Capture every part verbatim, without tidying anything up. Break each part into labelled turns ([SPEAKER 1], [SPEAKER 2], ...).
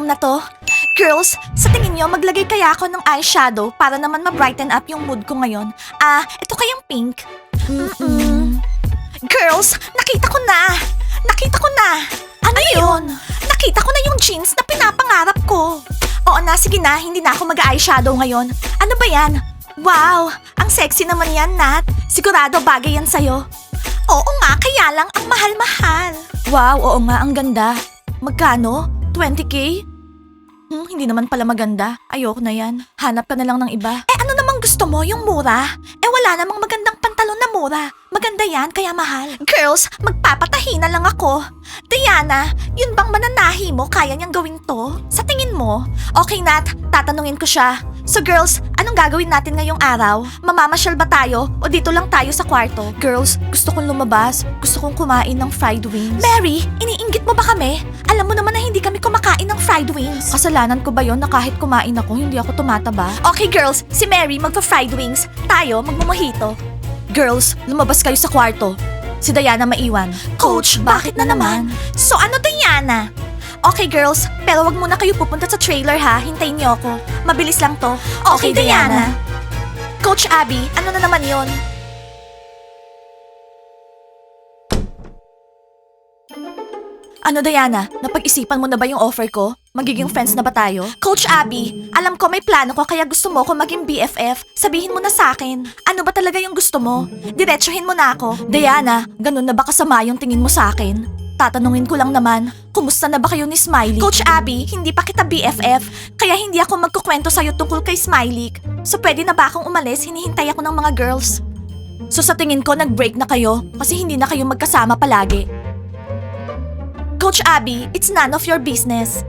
[SPEAKER 1] room na to. Girls, sa tingin nyo, maglagay kaya ako ng eyeshadow para naman ma-brighten up yung mood ko ngayon. Ah, ito kayang pink. Mm-mm. Girls, nakita ko na! Nakita ko na! Ano, yun? Nakita ko na yung jeans na pinapangarap ko. Oo na, sige na, hindi na ako mag-eyeshadow ngayon. Ano ba yan? Wow, ang sexy naman yan, Nat. Sigurado bagay yan sa'yo. Oo nga, kaya lang ang mahal-mahal. Wow, oo nga, ang ganda. Magkano? twenty K? Hmm, hindi naman pala maganda. Ayoko na yan. Hanap ka na lang ng iba. Eh ano namang gusto mo? Yung mura? Eh wala namang magandang pantalon na mura. Maganda yan, kaya mahal. Girls, magpapatahi na lang ako. Diana, yun bang mananahi mo? Kaya niyang gawin to? Sa tingin mo? Okay, Nat, tatanungin ko siya. So girls, anong gagawin natin ngayong araw? Mamamasyal ba tayo o dito lang tayo sa kwarto? Girls, gusto kong lumabas. Gusto kong kumain ng fried wings. Mary, iniinggit mo ba kami? Alam mo naman na hindi kami kumakain ng fried wings. Kasalanan ko ba yon na kahit kumain ako, hindi ako tumataba? Okay girls, si Mary magpa-fried wings. Tayo magmumojito. Girls, lumabas kayo sa kwarto. Si Diana maiwan. Coach, bakit na naman? So ano Diana? Okay girls, pero wag muna kayo pupunta sa trailer ha. Hintayin niyo ako. Mabilis lang to. Okay, Diana. Coach Abby, ano na naman yon? Ano Diana, napag-isipan mo na ba yung offer ko? Magiging friends na ba tayo? Coach Abby, alam ko may plano ko kaya gusto mo ko maging B F F. Sabihin mo na sa akin. Ano ba talaga yung gusto mo? Diretsuhin mo na ako. Diana, ganun na ba kasama yung tingin mo sa akin? Tatanungin ko lang naman, kumusta na ba kayo ni Smiley? Coach Abby, hindi pa kita B F F, kaya hindi ako magkukwento sa'yo tungkol kay Smiley. So pwede na ba akong umalis? Hinihintay ako ng mga girls. So sa tingin ko nag-break na kayo kasi hindi na kayo magkasama palagi. Coach Abby, it's none of your business.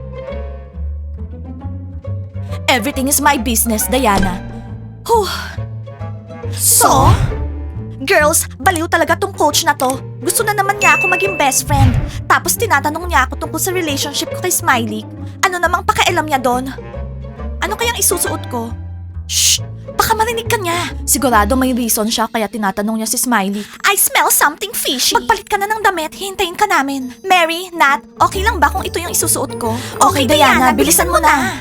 [SPEAKER 1] Everything is my business, Diana. Whew. So? Girls, baliw talaga tong coach na to. Gusto na naman niya ako maging best friend. Tapos tinatanong niya ako tungkol sa relationship ko kay Smiley. Ano namang pakialam niya doon? Ano kayang isusuot ko? Shh! Baka marinig ka niya. Sigurado may reason siya kaya tinatanong niya si Smiley. I smell something fishy. Magpalit ka na ng damit, hintayin ka namin. Mary, Nat, okay lang ba kung ito yung isusuot ko? Okay, Diana, bilisan mo na.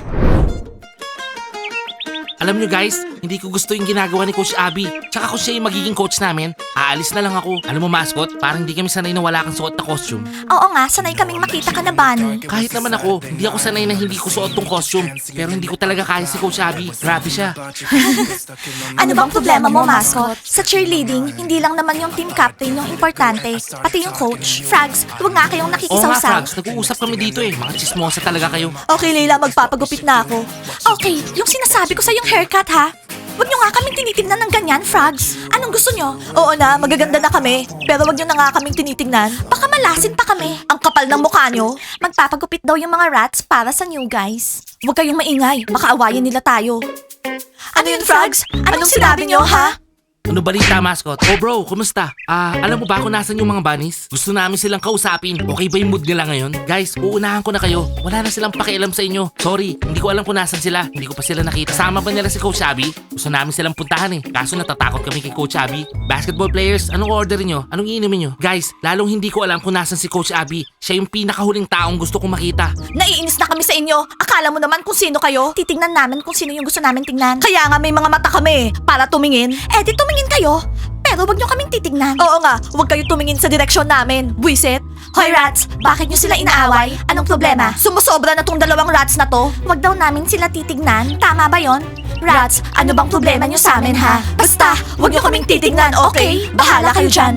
[SPEAKER 2] Alam nyo guys, hindi ko gusto yung ginagawa ni Coach Abby. Tsaka kung siya yung magiging coach namin, aalis na lang ako. Alam mo mascot, parang hindi kami sanay na wala kang suot na costume.
[SPEAKER 1] Oo nga, sanay kaming makita ka na, Bunny.
[SPEAKER 2] Kahit naman ako, hindi ako sanay na hindi ko suot tong costume. Pero hindi ko talaga kaya si Coach Abby. Grabe siya.
[SPEAKER 1] Ano bang problema mo, mascot? Sa cheerleading, hindi lang naman yung team captain yung importante, pati yung coach. Frags, huwag nga kayong
[SPEAKER 2] Oo nga
[SPEAKER 1] nakikisawsaw.
[SPEAKER 2] Frags, nag-uusap kami dito eh. Mga chismosa talaga kayo.
[SPEAKER 1] Okay, Leila, magpapagupit na ako. Okay, yung sinasabi ko sa yung haircut, ha? Huwag nyo nga kaming tinitingnan ng ganyan, Frogs. Anong gusto nyo? Oo na, magaganda na kami. Pero wag nyo na nga kaming tinitingnan. Baka malasin pa kami. Ang kapal ng mukha nyo. Magpapagupit daw yung mga rats para sa new guys. Huwag kayong maingay. Baka awayan nila tayo. Ano yun, Frogs? Anong sinabi nyo, ha?
[SPEAKER 2] Ano balita, mascot? Oh bro, kumusta? Ah, alam mo ba kung nasan yung mga bunnies? Gusto namin silang kausapin. Okay ba yung mood nila ngayon? Guys, uunahan ko na kayo. Wala na silang pakialam sa inyo. Sorry, hindi ko alam kung nasan sila. Hindi ko pa sila nakita. Sama ba nila si Coach Abby? Gusto namin silang puntahan eh. Kaso natatakot kami kay Coach Abby. Basketball players, anong orderin nyo? Anong iinumin nyo? Guys, lalong hindi ko alam kung nasan si Coach Abby. Siya yung pinakahuling taong gusto kong makita.
[SPEAKER 1] Naiinis na kami sa inyo. Akala mo naman kung sino kayo. Titingnan namin kung sino yung gusto namin tingnan. Kaya nga may mga mata kami para tumingin. Eh di tumingin kayo. Pero wag nyo kaming titignan. Oo nga, wag kayo tumingin sa direksyon namin. Buisit. Hoy rats, bakit nyo sila inaaway? Anong problema? Sumusobra na tong dalawang rats na to. Wag daw namin sila titignan. Tama ba yon? Rats, ano bang problema nyo sa amin ha? Basta, wag nyo kaming titignan, okay? Bahala kayo dyan.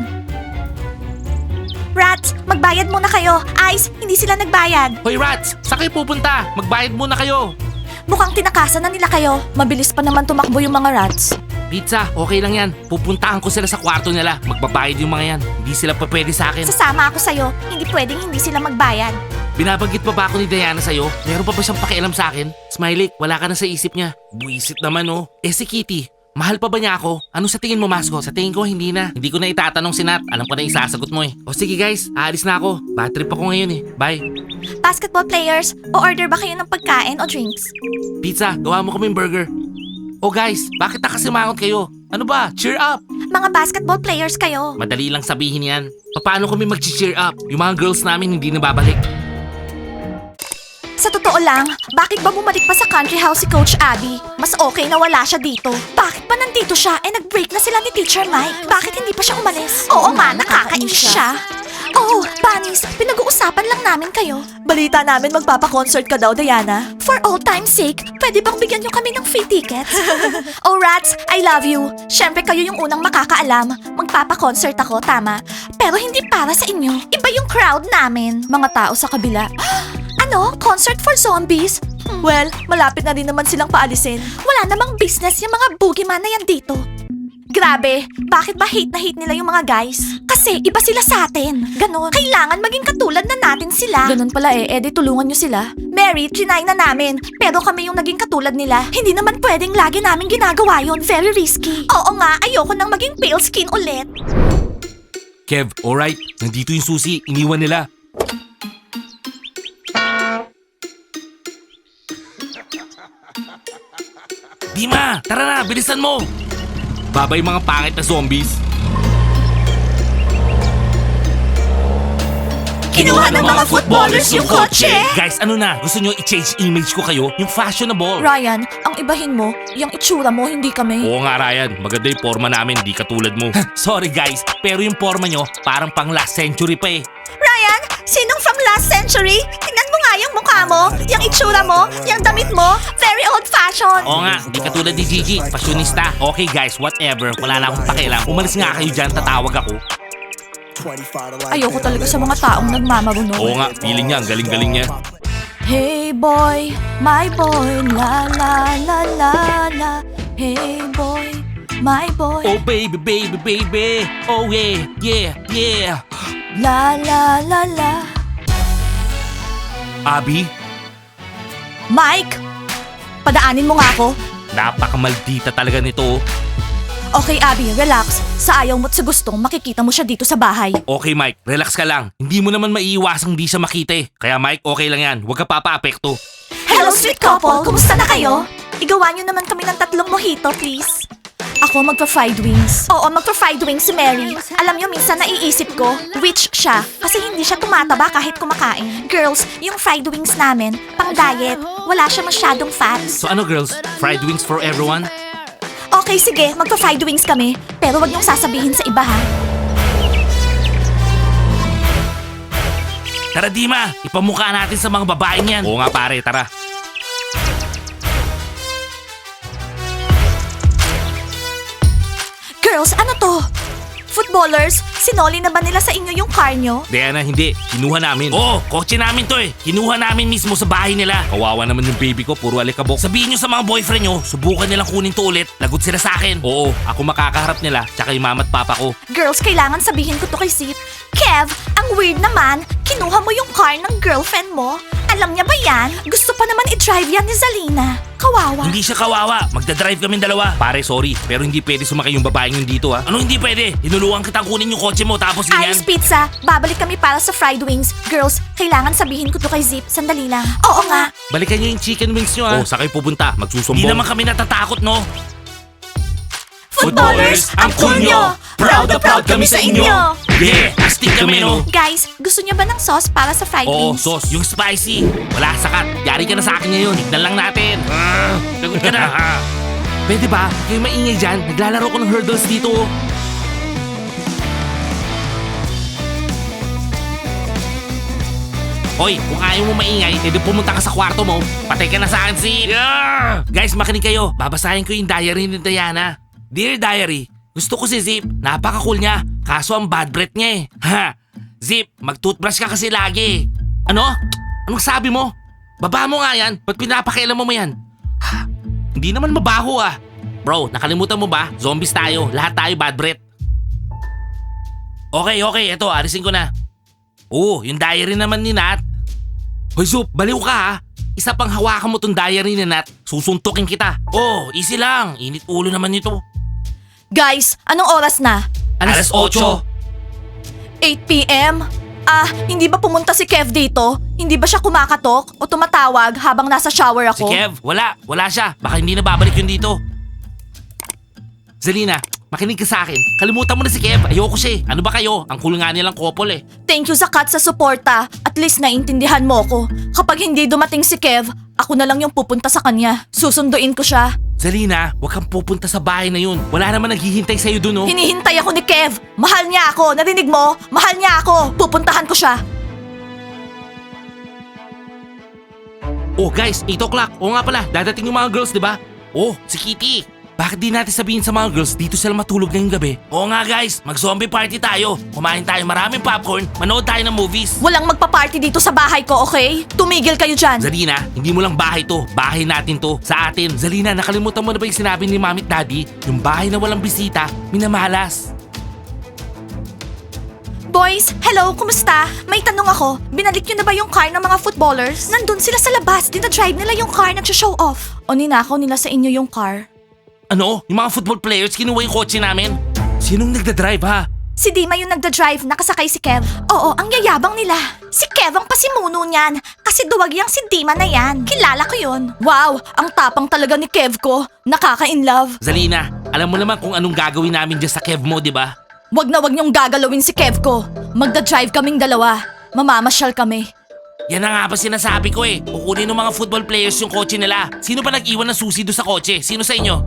[SPEAKER 1] Rats, magbayad muna kayo. Ice, hindi sila nagbayad.
[SPEAKER 2] Hoy rats, saan kayo pupunta? Magbayad muna kayo.
[SPEAKER 1] Mukhang tinakasan na nila kayo. Mabilis pa naman tumakbo yung mga rats.
[SPEAKER 2] Pizza, okay lang yan. Pupuntahan ko sila sa kwarto nila. Magbabayad yung mga yan. Hindi sila pa pwede sa akin.
[SPEAKER 1] Sasama ako sa'yo. Hindi pwedeng hindi sila magbayad.
[SPEAKER 2] Binabanggit pa ba ako ni Diana sa'yo? Meron pa ba siyang pakialam sa akin? Smiley, wala ka na sa isip niya. Buisit naman oh. Eh si Kitty, mahal pa ba niya ako? Ano sa tingin mo, mascot? Sa tingin ko, hindi na. Hindi ko na itatanong si Nat. Alam ko na isasagot mo eh. O sige guys, aalis na ako. Bad trip ako ngayon eh. Bye.
[SPEAKER 1] Basketball players, o-order ba kayo ng pagkain o drinks?
[SPEAKER 2] Pizza, gawa mo kaming burger. Oh guys, bakit nakasimangot kayo? Ano ba? Cheer up!
[SPEAKER 1] Mga basketball players kayo.
[SPEAKER 2] Madali lang sabihin yan. Paano kami mag-cheer up? Yung mga girls namin hindi na babalik.
[SPEAKER 1] Sa totoo lang, bakit ba bumalik pa sa country house si Coach Abby? Mas okay na wala siya dito. Bakit pa nandito siya? Eh nag-break na sila ni Teacher Mike. Bakit hindi pa siya umalis? Oo nga, nakakainis siya. Oh, Bunnies, pinag-uusapan lang namin kayo. Balita namin magpapa-concert ka daw, Diana. For old time's sake, pwede bang bigyan niyo kami ng free tickets? Oh, Rats, I love you. Siyempre kayo yung unang makakaalam. Magpapa-concert ako, tama. Pero hindi para sa inyo. Iba yung crowd namin. Mga tao sa kabila. Ano? Concert for zombies? Hmm. Well, malapit na rin naman silang paalisin. Wala namang business yung mga boogeyman na yan dito. Grabe, bakit ba hate na hate nila yung mga guys? Kasi iba sila sa atin. Ganon. Kailangan maging katulad na natin sila. Ganon pala eh, edi tulungan nyo sila. Mary, trinay na namin. Pero kami yung naging katulad nila. Hindi naman pwedeng lagi namin ginagawa yon. Very risky. Oo nga, ayoko nang maging pale skin ulit.
[SPEAKER 2] Kev, alright. Nandito yung susi. Iniwan nila. Dima, tara na. Bilisan mo. Babay mga pangit na zombies.
[SPEAKER 1] Kinuha ng mga footballers yung kotse.
[SPEAKER 2] Guys, ano na? Gusto nyo i-change image ko kayo? Yung fashionable.
[SPEAKER 1] Ryan, ang ibahin mo, yung itsura mo, hindi kami.
[SPEAKER 2] Oo nga, Ryan. Maganda yung forma namin, di katulad mo. Sorry guys, pero yung forma nyo parang pang last century pa eh.
[SPEAKER 1] Ryan, sinong from last century? Tingnan mo nga yung mukha mo, yung itsura mo, yung damit mo. Very old-fashioned.
[SPEAKER 2] Oo nga, di katulad ni Gigi, fashionista. Okay guys, whatever. Wala na akong pakialam. Umalis nga kayo dyan, tatawag ako.
[SPEAKER 1] Ayoko talaga sa mga taong nagmamaruno.
[SPEAKER 2] Oo nga, feeling niya, ang galing-galing niya.
[SPEAKER 1] Hey boy, my boy, la la la la la. Hey boy, my boy,
[SPEAKER 2] Oh baby, baby, baby. Oh yeah, yeah, yeah.
[SPEAKER 1] la la la la.
[SPEAKER 2] Abby,
[SPEAKER 1] Mike, padaanin mo nga ako.
[SPEAKER 2] napakamaldita talaga nito.
[SPEAKER 1] Okay, Abby, relax. Sa ayaw mo't sa gustong, makikita mo siya dito sa bahay.
[SPEAKER 2] Okay Mike, relax ka lang. Hindi mo naman maiiwasang di siya makita eh. Kaya Mike, okay lang yan. Huwag ka papaapekto.
[SPEAKER 1] Hello, sweet couple! Kumusta na kayo? Igawa niyo naman kami ng tatlong mojito, please. Ako magpa-fried wings. Oo, magpa-fried wings si Mary. Alam niyo, minsan naiisip ko, rich siya. Kasi hindi siya tumataba kahit kumakain. Girls, yung fried wings namin, pang diet. Wala siya masyadong fats.
[SPEAKER 2] So ano girls, fried wings for everyone?
[SPEAKER 1] Okay, sige, magpa-fried wings kami. Pero wag niyong sasabihin sa iba, ha?
[SPEAKER 2] Tara Dima, ipamukha natin sa mga babaeng yan. Oo nga pare, tara.
[SPEAKER 1] Girls, ano to? Footballers, sinoli na ba nila sa inyo yung car nyo?
[SPEAKER 2] Diana, hindi. Kinuha namin. Oo, kotse namin to eh. Kinuha namin mismo sa bahay nila. Kawawa naman yung baby ko, puro alikabok. Sabihin nyo sa mga boyfriend nyo, subukan nilang kunin to ulit. Lagot sila sa akin. Oo, ako makakaharap nila, tsaka yung mama at papa ko.
[SPEAKER 1] Girls, kailangan sabihin ko to kay Zip. Kev, ang weird naman, kinuha mo yung car ng girlfriend mo. Alam niya ba yan? Gusto pa naman i-drive yan ni Zalina. Kawawa.
[SPEAKER 2] Hindi siya kawawa. Magdadrive kami dalawa. Pare, sorry. Pero hindi pwede sumakay yung babaeng yun dito ha. Ano hindi pwede? Hinuluan kitang kunin yung kotse mo tapos ganyan.
[SPEAKER 1] Ice Pizza, babalik kami para sa fried wings. Girls, kailangan sabihin ko to kay Zip. Sandali lang. Oo nga.
[SPEAKER 2] Balikan niyo yung chicken wings nyo ha. Oh, sa kayo pupunta. Magsusumbong. Hindi naman kami natatakot no.
[SPEAKER 1] Footballers, ang cool nyo! Proud na proud kami sa inyo!
[SPEAKER 2] Yeah, astig kami no.
[SPEAKER 1] Guys, gusto niyo ba ng sauce para sa fried
[SPEAKER 2] Oo,
[SPEAKER 1] wings?
[SPEAKER 2] sauce. Yung spicy. Wala, sakat. Yari ka na sa akin ngayon. Tignan lang natin. Ah, lagot ka na. Pwede ba? Kayo maingay dyan. Naglalaro ko ng hurdles dito. Hoy, kung ayaw mo maingay, edi pumunta ka sa kwarto mo. Patay ka na sa akin, si... Yeah! Guys, makinig kayo. Babasahin ko yung diary ni Diana. Dear Diary, gusto ko si Zip. Napaka-cool niya. Kaso ang bad breath niya eh. Ha? Zip, mag-toothbrush ka kasi lagi. Ano? Anong sabi mo? Baba mo nga yan. Ba't pinapakialam mo mo yan? Ha? Hindi naman mabaho ah. Bro, nakalimutan mo ba? Zombies tayo. Lahat tayo bad breath. Okay, okay. Eto, arisin ko na. Oo, yung diary naman ni Nat. Hoy Zup, baliw ka ha. Isa pang hawakan mo tong diary ni Nat, susuntukin kita. Oh, easy lang. Init ulo naman nito.
[SPEAKER 1] Guys, anong oras na?
[SPEAKER 2] Alas otso.
[SPEAKER 1] eight p m? Ah, hindi ba pumunta si Kev dito? Hindi ba siya kumakatok o tumatawag habang nasa shower
[SPEAKER 2] Si
[SPEAKER 1] ako?
[SPEAKER 2] Kev, wala. Wala siya. Baka hindi na babalik yun dito. Zelina, makinig ka sa akin. Kalimutan mo na si Kev. Ayoko siya eh. Ano ba kayo? Ang cool nga nilang couple eh.
[SPEAKER 1] Thank you Zakat sa suporta at At least naiintindihan mo ko. Kapag hindi dumating si Kev, ako na lang yung pupunta sa kanya. Susunduin ko siya.
[SPEAKER 2] Zalina, huwag kang pupunta sa bahay na yun. Wala naman naghihintay sa'yo dun, oh.
[SPEAKER 1] Hinihintay ako ni Kev. Mahal niya ako. Narinig mo? Mahal niya ako. Pupuntahan ko siya.
[SPEAKER 2] Oh guys, eight o'clock. Oo nga pala, dadating yung mga girls, di ba? Oh, si Kitty. Bakit di natin sabihin sa mga girls dito sila matulog ngayong gabi? Oo nga guys, mag-zombie party tayo. Kumain tayo maraming popcorn, manood tayo ng movies.
[SPEAKER 1] Walang magpa-party dito sa bahay ko, okay? Tumigil kayo dyan.
[SPEAKER 2] Zalina, hindi mo lang bahay to. Bahay natin to. Sa atin. Zalina, nakalimutan mo na ba yung sinabi ni Mami at Daddy? Yung bahay na walang bisita, minamalas.
[SPEAKER 1] Boys, hello, kumusta? May tanong ako, binalik nyo na ba yung car ng mga footballers? Nandun sila sa labas, dinadrive nila yung car, nagsha-show off. O ninakaw nila sa inyo yung car?
[SPEAKER 2] Ano? Yung mga football players, kinuha yung kotse namin? Sinong nagdadrive ha?
[SPEAKER 1] Si Dima yung nagda-drive, nakasakay si Kev. Oo, ang yayabang nila. Si Kev ang pasimuno niyan. Kasi duwag yang si Dima na yan. Kilala ko yun. Wow, ang tapang talaga ni Kev ko. Nakaka-inlove.
[SPEAKER 2] Zalina, alam mo naman kung anong gagawin namin dyan sa Kev mo, di ba?
[SPEAKER 1] Wag na wag niyong gagalawin si Kev ko. Magda-drive kaming dalawa. Mamamasyal kami.
[SPEAKER 2] Yan na nga ba sinasabi ko eh. Kukunin ng mga football players yung kotse nila. Sino ba nag-iwan ng susi doon sa kotse? Sino sa inyo?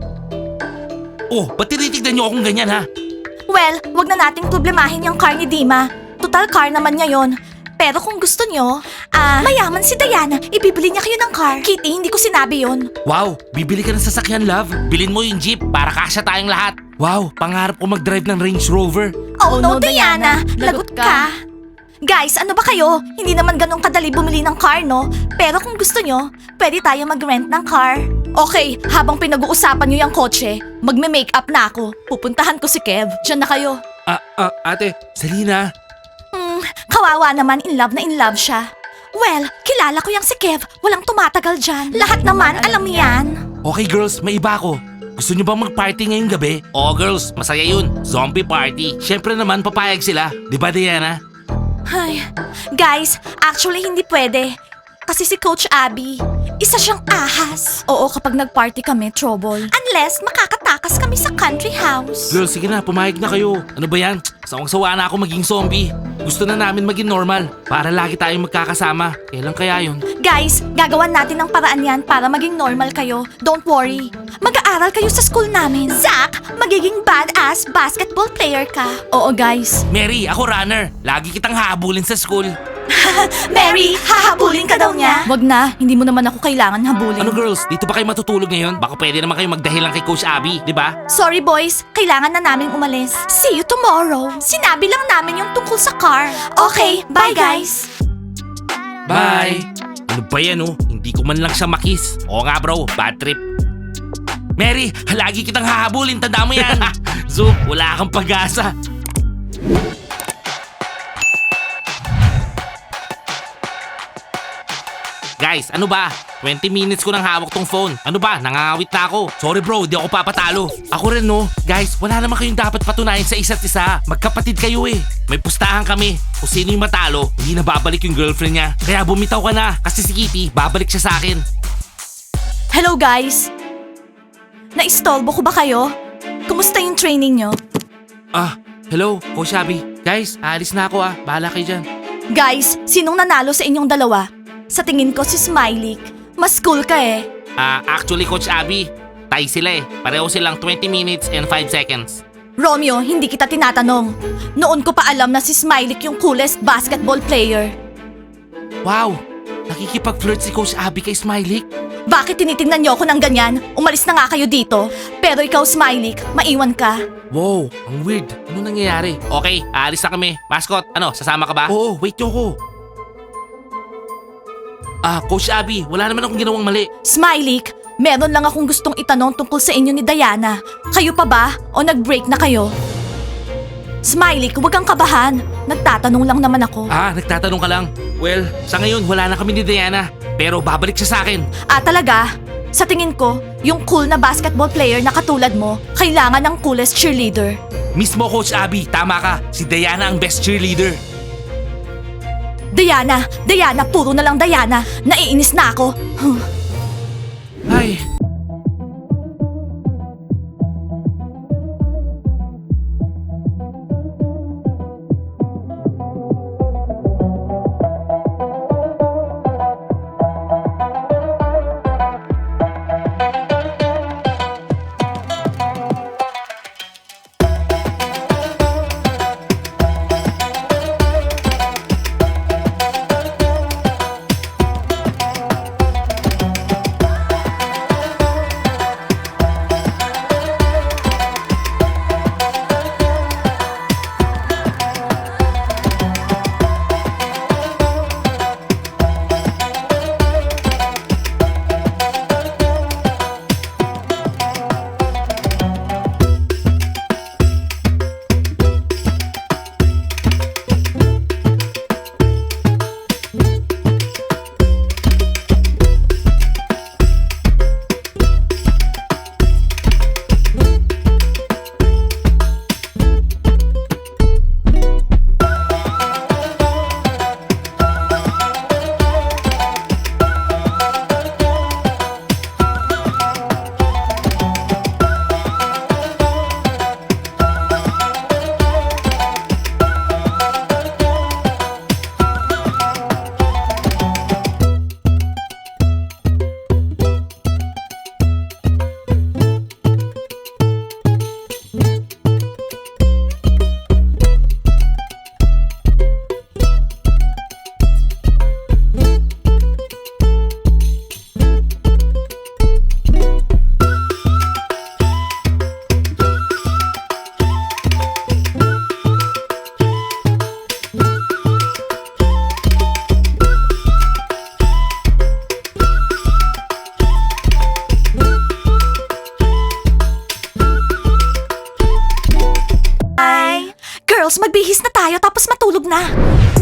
[SPEAKER 2] Oh, ba't tinitignan niyo akong ganyan ha?
[SPEAKER 1] Well, wag na nating problemahin yung car ni Dima. Total car naman niya yon. Pero kung gusto niyo, ah, mayaman si Diana, ibibili niya kayo ng car. Kitty, hindi ko sinabi yon.
[SPEAKER 2] Wow, bibili ka ng sasakyan, love. Bilin mo yung jeep para kasya tayong lahat. Wow, pangarap ko mag-drive ng Range Rover.
[SPEAKER 1] Oh, no, Diana, lagot ka. Guys, ano ba kayo? Hindi naman ganun kadali bumili ng car, no? Pero kung gusto nyo, pwede tayo mag-rent ng car. Okay, habang pinag-uusapan nyo yung kotse, magme-makeup na ako. Pupuntahan ko si Kev. Diyan na kayo.
[SPEAKER 2] Ah, ah, ate. Salina.
[SPEAKER 1] Hmm, kawawa naman, in love na in love siya. Well, kilala ko yung si Kev. Walang tumatagal dyan. Lahat naman, alam yan.
[SPEAKER 2] Okay girls, may iba ako. Gusto nyo bang mag-party ngayong gabi? Oo girls, masaya yun. Zombie party. Siyempre naman, papayag sila. Di ba Diana?
[SPEAKER 1] Ay, guys, actually hindi pwede. Kasi si Coach Abby, isa siyang ahas. Oo, kapag nag-party kami, trouble. Unless makakatakas kami sa country house.
[SPEAKER 2] Girls, sige na, pumayag na kayo. Ano ba yan? Sawang-sawa na ako maging zombie. Gusto na namin maging normal para lagi tayong magkakasama. Kailan kaya yun?
[SPEAKER 1] Guys, gagawan natin ng paraan yan para maging normal kayo. Don't worry. Mag-aaral kayo sa school namin. Zach, magiging badass basketball player ka. Oo, guys.
[SPEAKER 2] Mary, ako runner. Lagi kitang hahabulin sa school.
[SPEAKER 1] Mary, hahabulin ka daw niya. Wag na, hindi mo naman ako kailangan habulin.
[SPEAKER 2] Ano girls, dito ba kayo matutulog ngayon? Baka pwede naman kayo magdahilan kay Coach Abby, di ba?
[SPEAKER 1] Sorry boys, kailangan na namin umalis. See you tomorrow. Sinabi lang namin yung tungkol sa car. Okay, bye guys.
[SPEAKER 2] Bye! Ano ba yan oh? Hindi ko man lang siya makis. Oo nga bro, bad trip. Mary, lagi kitang hahabulin, tanda mo yan. So, wala kang pag-asa. Guys, ano ba? twenty minutes ko nang hawak tong phone. Ano ba? Nangangawit na ako. Sorry bro, di ako papatalo. Ako rin no. Guys, wala naman kayong dapat patunayan sa isa't isa. Magkapatid kayo eh. May pustahan kami. Kung sino yung matalo, hindi na babalik yung girlfriend niya. Kaya bumitaw ka na. Kasi si Kitty, babalik siya sa akin.
[SPEAKER 1] Hello guys. Naistolbo ko ba kayo? Kumusta yung training nyo?
[SPEAKER 2] Ah, hello, Coach Abby. Guys, aalis na ako ah. Bahala kayo dyan.
[SPEAKER 1] Guys, sinong nanalo sa inyong dalawa? Sa tingin ko si Smiley. Mas cool ka eh.
[SPEAKER 2] Ah, actually Coach Abby, tie sila eh. Pareho silang twenty minutes and five seconds.
[SPEAKER 1] Romeo, hindi kita tinatanong. Noon ko pa alam na si Smiley yung coolest basketball player.
[SPEAKER 2] Wow, nakikipag-flirt si Coach Abby kay Smiley.
[SPEAKER 1] Bakit tinitingnan niyo ako ng ganyan? Umalis na nga kayo dito. Pero ikaw, Smiley, maiwan ka.
[SPEAKER 2] Wow, ang weird. Ano nangyayari? Okay, aalis na kami. Mascot, ano, sasama ka ba? Oo, wait nyo ko. Ah, Coach Abby, wala naman akong ginawang mali.
[SPEAKER 1] Smiley, meron lang akong gustong itanong tungkol sa inyo ni Diana. Kayo pa ba? O nag-break na kayo? Smiley, huwag kang kabahan. Nagtatanong lang naman ako.
[SPEAKER 2] Ah, nagtatanong ka lang. Well, sa ngayon, wala na kami ni Diana. Pero babalik siya sa akin.
[SPEAKER 1] Ah, talaga? Sa tingin ko, yung cool na basketball player na katulad mo, kailangan ng coolest cheerleader.
[SPEAKER 2] Mismo, Coach Abby, tama ka. Si Diana ang best cheerleader.
[SPEAKER 1] Diana! Diana! Puro na lang Diana! Naiinis na ako!
[SPEAKER 2] Ay.
[SPEAKER 1] Girls, magbihis na tayo tapos matulog na.